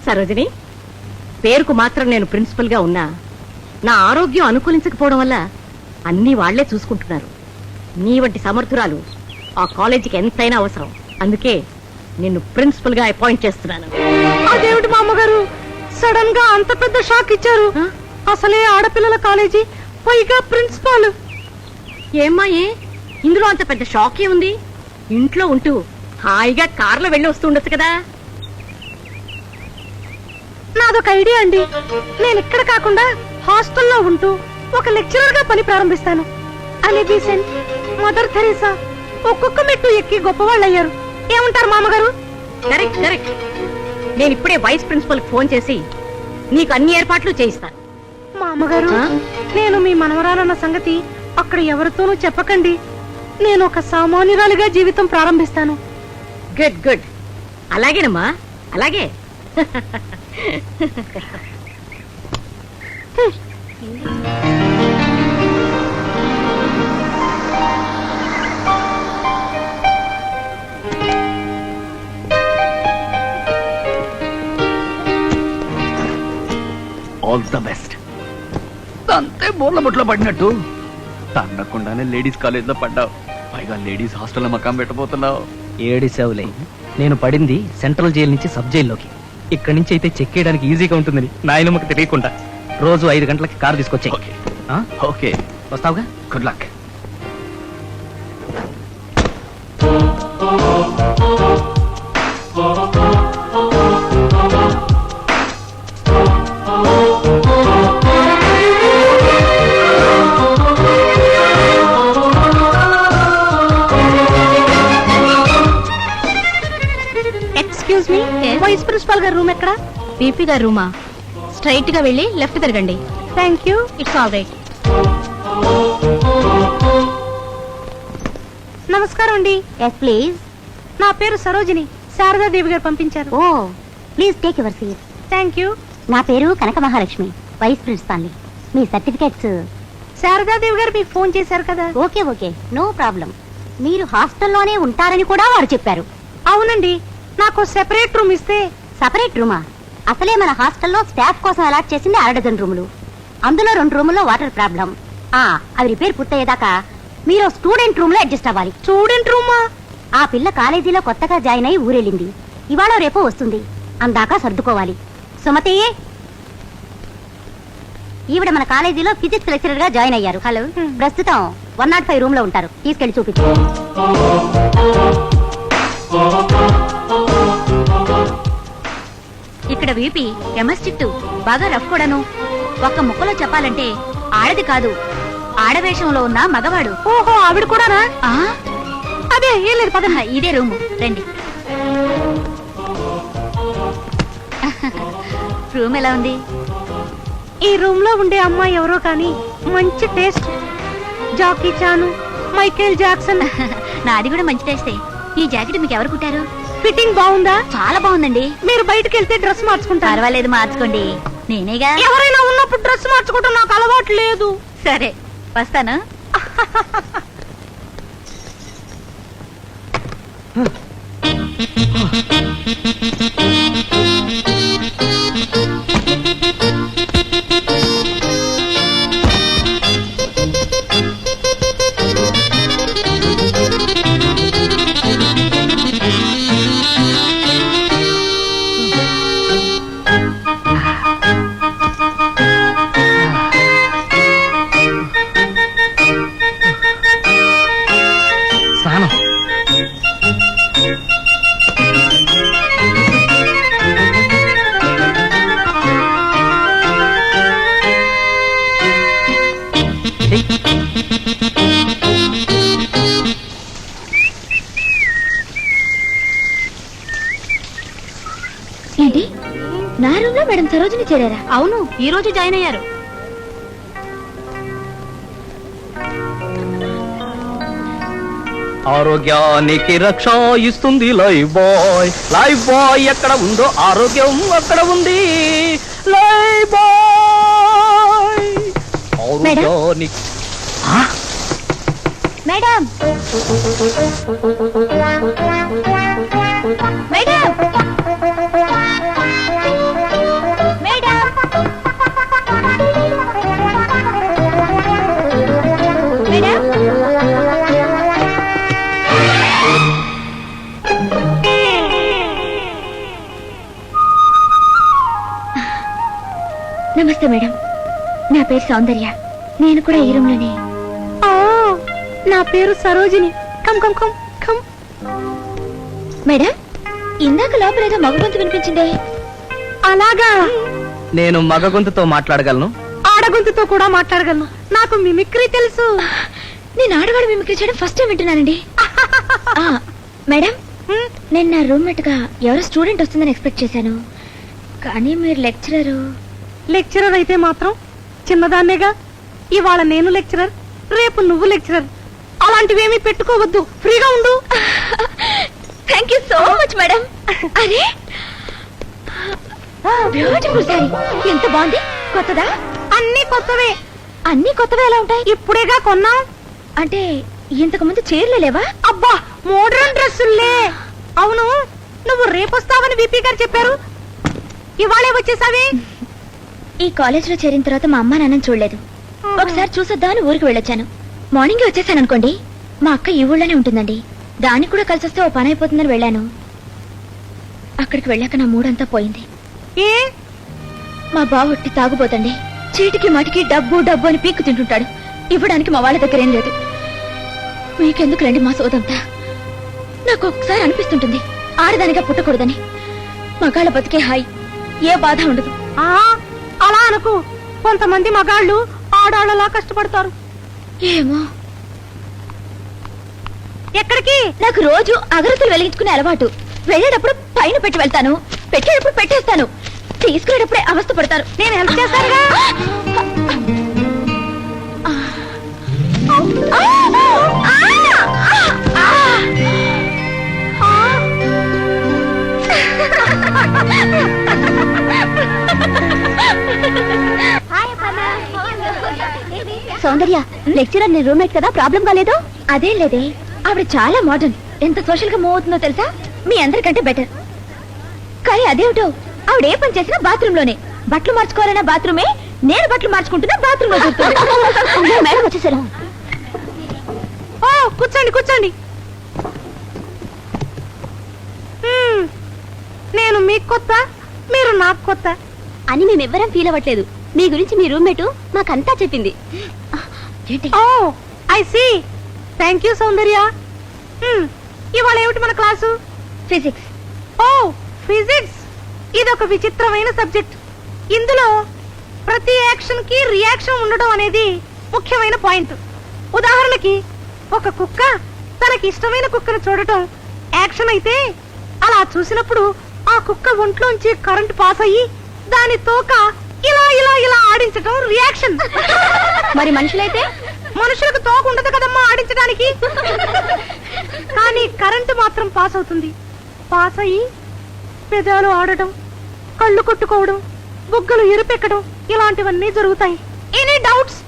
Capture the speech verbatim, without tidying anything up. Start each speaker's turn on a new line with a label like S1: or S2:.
S1: సరోజిని, పేరుకు మాత్రం నేను ప్రిన్సిపల్ గా ఉన్నా నా ఆరోగ్యం అనుకూలించకపోవడం వల్ల అన్ని వాళ్లే చూసుకుంటున్నారు. నీ వంటి సమర్థురాలు ఆ కాలేజీకి ఎంతైనా అవసరం. అందుకే నిన్ను ప్రిన్సిపల్ గా అపాయింట్ చేస్తున్నాను.
S2: అదేమిటి మా అమ్మగారు సడన్ గా అంత పెద్ద షాక్ ఇచ్చారు? అసలే ఆడపిల్లల కాలేజీ, పైగా ప్రిన్సిపాల్.
S1: ఏమ్మా, ఏ ఇందులో అంత పెద్ద షాకే ఉంది? ఇంట్లో ఉంటూ హాయిగా కార్లో వెళ్ళి వస్తూ ఉండొచ్చు కదా.
S2: నాదొక ఐడియా అండి. నేను ఇక్కడ కాకుండా హాస్టల్లో ఉంటూ ఒక లెక్చరర్ గా పని ప్రారంభిస్తాను. అని బీసెంట్, మదర్ థెరెసా ఒక్కొక్క మెట్టు ఎక్కి గొప్పవాళ్ళు అయ్యారు. ఏమంటారు మామగారు?
S1: Correct correct. నేను ఇప్పుడే వైస్ ప్రిన్సిపల్ ఫోన్ చేసి నీకు అన్ని ఏర్పాట్లు చేయిస్తాను.
S2: మామగారు, నేను మీ మనవరాలన్న సంగతి అక్కడ ఎవరితోనూ చెప్పకండి. నేను ఒక సామాన్యురాలిగా జీవితం ప్రారంభిస్తాను.
S1: Good good. అలాగేనమ్మా, అలాగే.
S3: All the best. అంతే బోర్ల ముట్లో పడినట్టు తన్నకుండానే లేడీస్ కాలేజ్ లో పడ్డావు. పైగా లేడీస్ హాస్టల్లో మకాం పెట్టబోతున్నావు.
S4: ఏడిసేవులే, నేను పడింది సెంట్రల్ జైలు నుంచి సబ్ జైల్లోకి. ఇక్కడి నుంచి అయితే చెక్ చేయడానికి ఈజీగా ఉంటుందని నాయనమ్మకి తెలియకుండా రోజు ఐదు గంటలకి కారు తీసుకొచ్చాయి.
S3: ఓకే,
S4: వస్తావుగా?
S3: Good luck.
S2: Excuse me, vice principal గారి రూమ్ ఎక్కడ?
S1: పీపీ గారి రూమా? స్ట్రైట్ గా వెళ్ళి లెఫ్ట్ తిరగండి.
S2: Thank you.
S1: It's all right.
S2: నమస్కారం అండి.
S5: Yes please.
S2: నా పేరు సరోజిని. శారదాదేవి గారు పంపించారు.
S5: Oh please take your seat.
S2: Thank you.
S5: నా పేరు కనక మహాలక్ష్మి, వైస్ ప్రిన్సిపాల్ని. మీ సర్టిఫికెట్స్.
S2: శారదాదేవి గారు మీకు ఫోన్ చేశారు కదా.
S5: Okay okay, no problem. మీరు హాస్టల్లోనే ఉంటారని కూడా వారు చెప్పారు.
S2: అవునండి, నాకు సెపరేట్ రూమ్ ఇస్తే.
S5: సపరేట్ రూమా? అసలే మన హాస్టల్లో స్టాఫ్ కోసం అలాట్ చేసింది అర డజన్ రూములు. అందులో రెండు రూముల్లో వాటర్ ప్రాబ్లం. ఆ అవి రిపేర్ పూర్తయ్యేదాకా మీరు స్టూడెంట్ రూమ్ లో అడ్జస్ట్ అవ్వాలి.
S2: స్టూడెంట్ రూమా?
S5: ఆ పిల్ల కాలేజీలో కొత్తగా జాయిన్ అయి ఊరెళ్ళింది. ఇవాళ రేపో వస్తుంది. అందాక సర్దుకోవాలి. సుమతి, ఈవిడ మన కాలేజీలో ఫిజిక్స్ లెక్చరర్ గా జాయిన్ అయ్యారు. హలో, ప్రస్తుతం వన్ నాట్ ఫైవ్ రూమ్ లో ఉంటారు. తీసుకెళ్లి చూపించు.
S1: ఇక్కడ వీపీ కెమిస్ట్రీ బాగా రఫ్ కూడాను. ఒక్క ముక్కలో చెప్పాలంటే ఆడది కాదు, ఆడవేషంలో ఉన్న మగవాడు.
S2: ఓహో, ఆవిడ కూడానా?
S1: ఆ
S2: అదే ఏం లేదు, పద.
S1: ఇదే రూము, రండి. రూమ్ ఎలా ఉంది?
S2: ఈ రూమ్ లో ఉండే అమ్మాయి ఎవరో కానీ మంచి taste. Jackie Chan, Michael Jackson.
S1: నాది కూడా మంచి టేస్టే. ఈ జాకెట్ మీకు ఎవరు కుట్టారు?
S2: ఫిట్టింగ్ బాగుందా?
S1: చాలా బాగుందండి.
S2: మీరు బయటకు వెళ్తే డ్రెస్ మార్చుకుంటారు.
S1: పర్వాలేదు, మార్చుకోండి. నేనేగా.
S2: ఎవరైనా ఉన్నప్పుడు డ్రెస్ మార్చుకోవటం నాకు అలవాటు లేదు.
S1: సరే, వస్తాను.
S4: స్నానం.
S1: ఏంటి, నా రూమ్ లో మేడం సరోజిని చేరారా? అవును, ఈ రోజు జాయిన్ అయ్యారు.
S4: ఆరోగ్యానికి రక్ష ఇస్తుంది లైఫ్ బాయ్. లైఫ్ బాయ్ ఎక్కడ ఉందో ఆరోగ్యం అక్కడ ఉంది. లైఫ్ బాయ్ ఆరోగ్యానికి.
S1: మేడం, మేడం,
S6: నమస్తే మేడం, నా పేరు సౌందర్య. నేను కూడా ఈ రూమ్ లోనే.
S2: ఓ, నా పేరు Sarojini. Come come come come.
S6: Madam, ఇందాక లోపల ఏదో మగ గొంతు వినిపించిందే.
S2: అలాగా?
S4: నేను మగ గొంతుతో మాట్లాడగలను.
S2: ఆడగొంతుతో కూడా మాట్లాడగలను. నాకు మిమిక్రీ తెలుసు.
S6: నేను ఆడవాడు మిమిక్రీ చేయడం ఫస్ట్ టైం వింటున్నానండి. ఆ, మేడం,
S2: హ్మ్?
S6: నేను నా రూమ్మేట్ గా ఎవరో స్టూడెంట్ వస్తుందని ఎక్స్పెక్ట్ చేశాను, కానీ మీరు లెక్చరరు.
S2: లెక్చరర్ అయితే మాత్రం చిన్నదాన్నేగా. ఇవాళ నేను లెక్చరర్, రేపు నువ్వు లెక్చరర్. అలాంటివేమీ పెట్టుకోవద్దు, ఫ్రీగా ఉండు.
S6: Thank you so much madam. అరే, బ్యూటిఫుల్ సారీ, ఎంత బాగుంది. కొత్తదా?
S2: అన్ని కొత్తవే.
S6: అన్ని కొత్తవే ఎలా ఉంటాయి?
S2: ఇప్పుడేగా కొన్నాం.
S6: అంటే ఇంతకు ముందు చీరలు లేవా?
S2: అబ్బా, మోడర్న్ డ్రెస్సులే. అవును, నువ్వు రేపొస్తావని విపి గారు చెప్పారు. ఇవాళే వచ్చేసావి.
S6: ఈ కాలేజ్ లో చేరిన తర్వాత మా అమ్మ నాన్నని చూడలేదు. ఒకసారి చూసొద్దామని ఊరికి వెళ్ళొచ్చాను. మార్నింగ్ వచ్చేసాను అనుకోండి. మా అక్క ఈ ఊళ్ళోనే ఉంటుందండి. దానికి కూడా కలిసి వస్తే ఓ పని అయిపోతుందని వెళ్ళాను. అక్కడికి వెళ్ళాక నా మూడంతా పోయింది.
S2: ఏ?
S6: మా బావ ఒట్టి తాగుపోతండి. చీటికి మటికి డబ్బు డబ్బు అని పీక్కు తింటుంటాడు. ఇవ్వడానికి మా వాళ్ళ దగ్గర ఏం లేదు. మీకెందుకు రండి మా సోదంతా. నాకు ఒకసారి అనిపిస్తుంటుంది ఆడదానిగా పుట్టకూడదని. మగాళ్ళ బతికే హాయి, ఏ బాధ ఉండదు.
S2: ఆ, అలా అనుకు. కొంతమంది మగాళ్ళు ఆడాళ్ళలా కష్టపడతారు.
S6: ఏమో,
S2: ఎక్కడికి?
S6: నాకు రోజు అగరత్తులు వెలిగించుకునే అలవాటు. వెళ్ళేటప్పుడు పైన పెట్టి వెళ్తాను, పెట్టేటప్పుడు పెట్టేస్తాను, తీసుకునేటప్పుడే అవస్థ పడతారు.
S2: నేను హెల్ప్ చేస్తానుగా.
S6: సౌందర్య, లెక్చరర్ నీ రూమ్మేట్ కదా, ప్రాబ్లం కాలేదు? అదేం లేదే, ఆవిడ చాలా మోడర్న్. ఎంత సోషల్ గా మూవ్ అవుతుందో తెలుసా? మీ అందరికంటే బెటర్. కానీ అదేమిటో, ఆవిడ ఏ పని చేసినా బాత్రూమ్ లోనే. బట్టలు మార్చుకోవాలన్నా బాత్రూమే, నేను బట్టలు మార్చుకుంటున్నా బాత్రూమ్ లో చూస్తుంది. మేడం వచ్చేసారు.
S2: ఓ, కూర్చోండి కూర్చోండి. హ్మ్, నేను మీకు కొత్త, మీరు నాకు కొత్త
S5: అని మేమెవ్వరం ఫీల్ అవ్వట్లేదు. మీ గురించి మీ రూమ్మేటు మాకంతా చెప్పింది.
S6: ఏంటి?
S2: Oh, I see. Thank you Soundarya. హ్మ్, ఇవాళ ఏమిటి మన క్లాసు?
S6: ఫిజిక్స్.
S2: ఓ, ఫిజిక్స్. ఇదొక విచిత్రమైన సబ్జెక్ట్. ఇందులో ప్రతి యాక్షన్ కి రియాక్షన్ ఉండడం అనేది ముఖ్యమైన పాయింట్. ఉదాహరణకి, ఒక కుక్క తనకి ఇష్టమైన కుక్కను చూడటం యాక్షన్ అయితే, అలా చూసినప్పుడు ఆ కుక్క ఒంట్లోంచి కరెంట్ పాస్ అయ్యి దాని తోక ఇలా ఇలా ఇలా ఆడించటం రియాక్షన్.
S6: మరి మనుషులైతే?
S2: మనుషులకు తోక ఉండదు కదమ్మా ఆడించడానికి. కానీ కరెంటు మాత్రం పాస్ అవుతుంది. పాస్ అయ్యి పెదాలు ఆడటం, కళ్ళు కొట్టుకోవడం, బుగ్గలు ఎరుపెక్కడం, ఇలాంటివన్నీ జరుగుతాయి. Any doubts?